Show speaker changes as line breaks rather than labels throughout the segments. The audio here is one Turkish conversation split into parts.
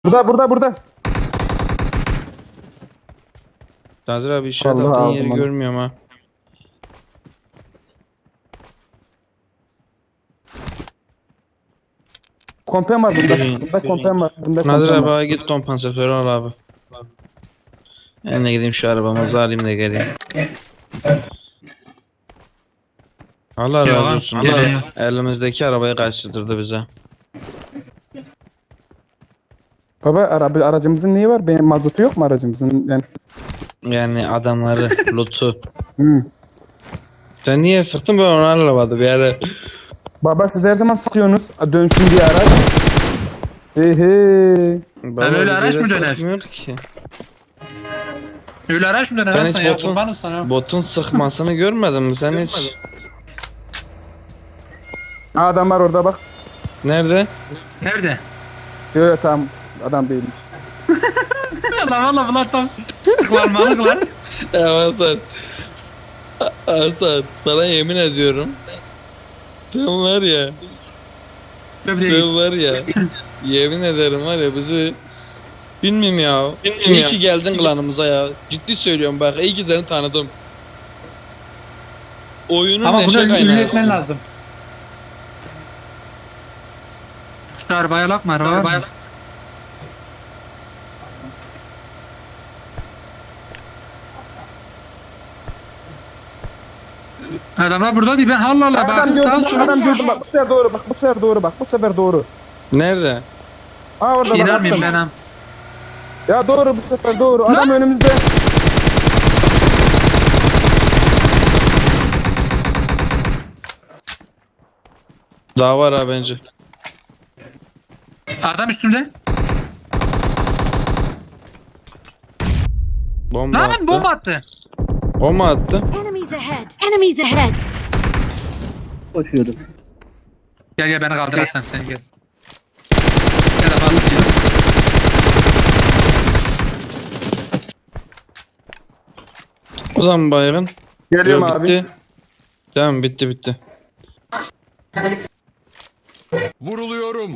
Burada.
Nazır abi işaret
Allah
attığın
aldım
yeri
onu.
görmüyorum ha.
Kompen var bunda.
Yürüyün,
Bunda kompen var. Bunda
Nazır
kompen
abi
var.
abi git kompansatörü al abi. Ben de gideyim şu arabamı alayım da geleyim. Allah
Yok
razı
abi,
olsun.
geliyor.
Elimizdeki arabayı kaçırdırdı bize.
Baba aracımızın neyi var? Benim mazotu yok mu aracımızın?
Yani adamları, loot'u.
Hı.
Sen niye sıktın, ben onu anlamadım bir ara.
Baba siz her zaman sıkıyorsunuz. Dönsün diye araç.
Baba,
öyle
bize
araç
de
mı döner?
sıkmıyor ki.
Öyle araç mı döner
Sen
Hasan
hiç
ya?
botun,
Kurbanım sana.
botun sıkmasını görmedin mi sen hiç?
Adam var orada bak.
Nerede?
Nerede?
Yok tamam. Adam değilmiş.
Lan valla bunlar tam tıklanmalık lan.
Ya Hasan. Hasan sana yemin ediyorum. Sen var ya. Sen var ya. Yemin ederim var ya bizi. Bilmiyorum ya. İyi ki geldin klanımıza ya. Ciddi söylüyorum bak, iyi ki seni tanıdım. Oyunun
Ama
neşe
bunu ünlü
kaynağı.
etmen lazım. Şu arabaya bakma arabaya. Adamlar burada değil, ben Allah Allah
Adam
bakayım sağa
gördüm.
sola.
Adam gördüm bak. Bu sefer doğru bak. Bu sefer doğru bak. Bu sefer doğru.
Nerede?
Aa orada bak.
İnanmayayım
bastım.
ben am.
Ya doğru bu sefer doğru. Adam
Lan!
önümüzde.
Daha var ha bence.
Adam üstümde.
Bomba
Lan
attı.
bomba attı.
O mu attı?
Enemies ahead! Enemies ahead!
Gel beni kaldır Hasan sen gel. Gel de balık gel.
O zaman baygın.
Geliyorum
Yok,
abi.
bitti. Tamam bitti.
Vuruluyorum.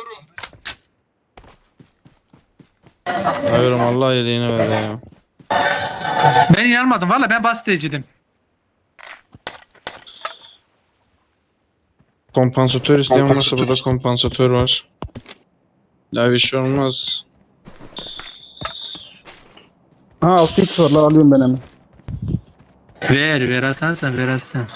Hayırım Allah iyiliğini ver ya.
Ben inanmadım valla, ben basiteciydim.
Kompansatör isteyen varsa burada kompansatör var. Ya bir şey olmaz.
Ha 6x var lan alıyorum ben hemen.
Ver Hasan sen ver Hasan.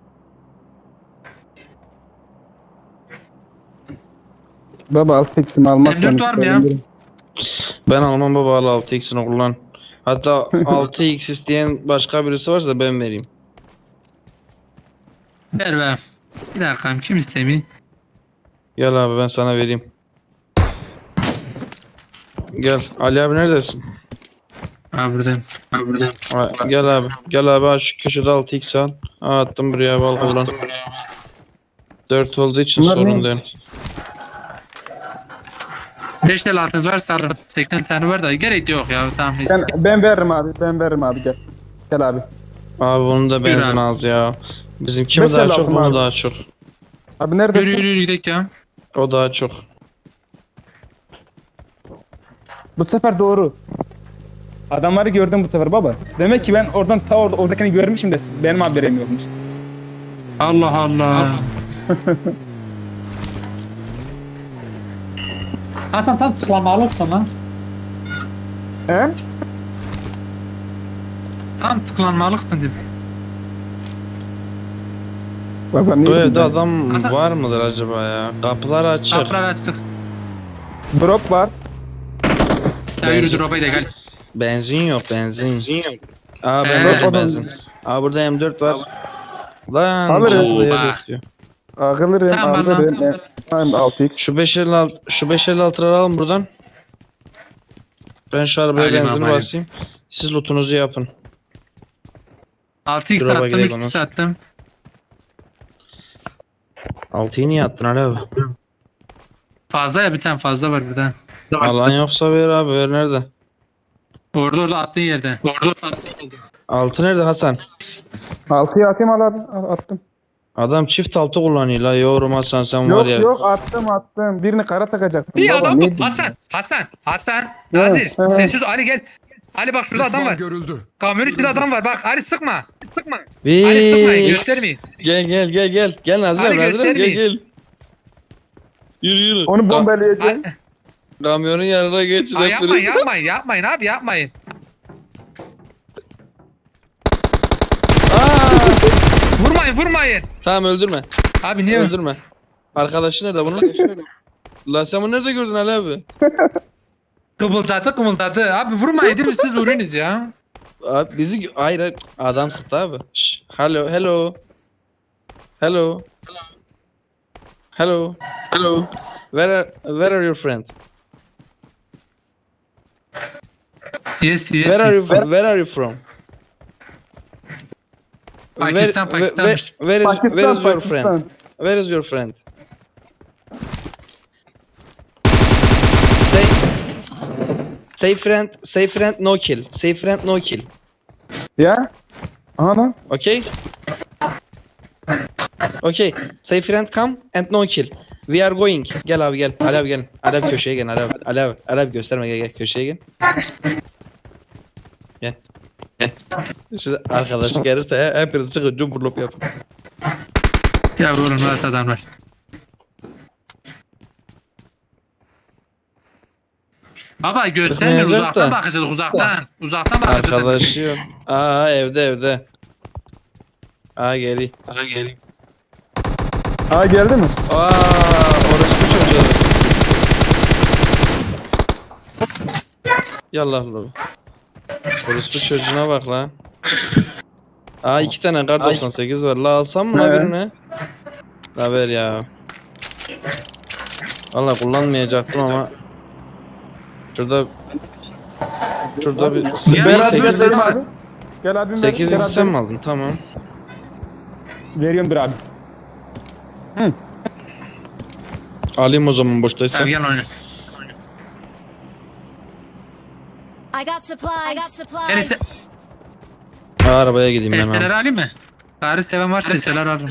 Baba 6x'imi almazsan
M4 var mı ya?
isterim.
Ben almam baba, al 6x'ini kullan. Hatta 6x isteyen başka birisi varsa da ben vereyim.
Ver. Bir dakika kim istemiyor?
Gel abi ben sana vereyim. Gel Ali abi neredesin?
Ha buradayım.
Gel abi. Gel abi aç şu köşede 6x al. Attım buraya abi, al kullan. 4 olduğu için
Bunlar
sorun
ne?
değil.
5 tel altınız var sarı. 80 tane var da gerek yok ya tamam neyse.
Ben veririm abi. Gel. Gel abi.
Abi bunun da
Yürü
benzin
abi.
az ya. Bizim kimi
Beş
daha
el
çok,
aldım
bunu
abi.
daha çok.
Abi neredesin?
Yürü gidelim ya.
O daha çok.
Bu sefer doğru. Adamları gördüm bu sefer baba. Demek ki ben oradan oradakini görmüşüm de benim haberim yokmuş.
Allah Allah. Hasan tam tıklamalıksın lan.
He?
Tam tıklanmalıksın dedim.
Baba ne
Bu
bileyim
evde
ben.
adam
Hasan-
var mıdır acaba ya? Kapılar açık.
Kapıları açtık.
Drop var.
Ya yürü drop'a da gel.
Benzin yok. Aa ben
Drop
aldım
adam-
benzin. Aa burada M4 var. Lan
Alırım.
çatıda yer
Oba.
yok diyor.
Alırım.
Tamam,
Tamam 6x.
Şu 556'ları alın buradan. Ben şu arabaya
Alayım
benzin
abi, alayım.
basayım. Siz lootunuzu yapın.
6x
Drop'a
attım,
gidelim
3x attım.
6'yı niye attın Ali abi?
Fazla ya bir tane fazla var burada.
Alan yoksa ver abi, ver nerede?
Orada attığın yerde.
6 nerede Hasan?
6'yı atayım al abi. Attım.
Adam çift altı kullanıyor la yorum Hasan sen var
Yok
ya.
yok attım. Birini kara takacaktım.
Bir
baba,
adam
ne
bu.
diyeyim?
Hasan. Nazir.
evet.
Sessiz Ali gel. Ali bak şurada adam
Düşman
var.
görüldü.
Kamyon içinde adam var. Bak Ali sıkma. Sıkma. Ali
Bir-
sıkmayın. Göstermeyin.
Gel. Gel Nazır
Hadi
abi Nazır abi, gel
göstermeyin.
Yürü.
Onu bombalayacağım.
Ali-
Kamyonun yanına geç.
Aa,
rapörü.
yapmayın abi yapmayın. Vurmayın.
Tamam öldürme.
Abi niye öldün?
Öldürme. Arkadaşı nerede bunun? La sen bunu nerede gördün Ali abi?
Kımıldadı. Abi vurmayın değil mi siz vuruyorsunuz ya.
Abi bizi hayır adam sıktı abi. Şş, hello. Where are your friend?
Yes.
Where are you from?
Pakistan'mış.
Where is your
Pakistan.
friend? Where is your friend? Say friend no kill. Say friend no kill.
Ya. Aha lan.
Okay? Okay. Say friend come and no kill. We are going. Gel abi gel. Ali abi gel. Ali abi köşeye gel. Ali abi gösterme gel köşeye gel. Gel. Şimdi arkadaşı gelirse hepiniz çıkın cumburlop yapın.
Ya oğlum nasıl adamlar. Baba göstermiyor
Tıkmayacak
uzaktan
da.
bakacağız uzaktan bakacağız.
Arkadaşı yok. Aa evde. Aa geliyor.
Ha geldi mi?
Aa orası çocuğu. Yallah lan. Orospu çocuğuna bak la. Aa 2 tane kar 98 var. La alsam mı la
He.
birini? La ver ya. Valla kullanmayacaktım ama. Şurada bir
Ya,
Gel abi
8
gel abi. Gel abim
8
gel
sen
abim.
mi aldın? Tamam.
Veriyorum bir abi.
Alayım o zaman boştaysa.
Abi gel oyna.
I got supplies.
Gel iste.
Arabaya gideyim ben
Esteler
abi.
alayım mı? Tarih seven varsa esteler alırım.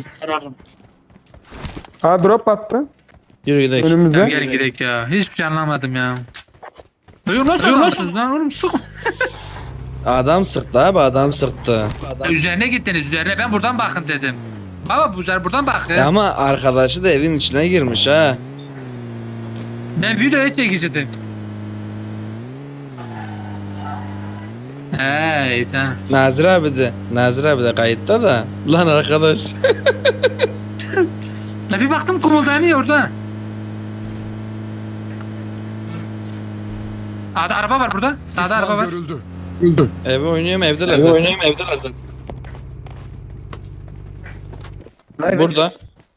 Ha drop attı.
Yürü gidelim.
Önümüze.
Tamam gelin gidelim ya. Hiçbir şey anlamadım ya. Yok nasıl adamsınız lan oğlum sık.
Adam sıktı abi adam sıktı.
Üzerine gittiniz üzerine ben buradan bakın dedim. Baba bu üzerine buradan bakın.
Ama arkadaşı da evin içine girmiş ha.
Ben videoya çekiştim. Hey tamam.
Nazır abi de kayıtta da. Lan arkadaş.
La bir baktım kumuldanıyor orada. Sağda araba var burada. Sağda araba
Düşman
var.
görüldü.
Eve oynuyorum evdeler zaten. Burada.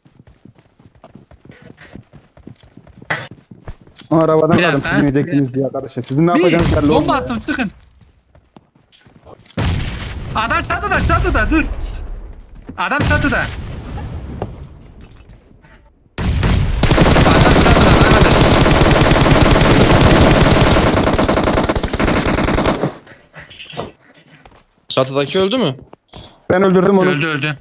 Arabadan
Bir
aldım
dakika.
siz ineceksiniz diye arkadaşlar. Sizin ne
Bir
yapacağınız belli
bomba
olmuyor.
attım sıkın. Adam çatıda dur. Adam çatıda.
Çatıdaki öldü mü?
Ben öldürdüm onu.
Öldü.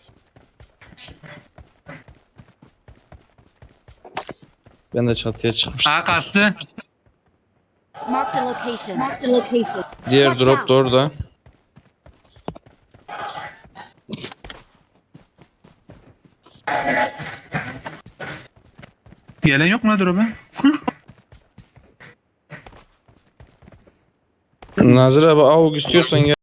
Ben de çatıya çıkmıştım.
Ağa kastı.
Marked a location.
Diğer
Watch
drop
out.
da orada.
Gelen yok mu drop'a?
Nazır abi avuk istiyorsan gel.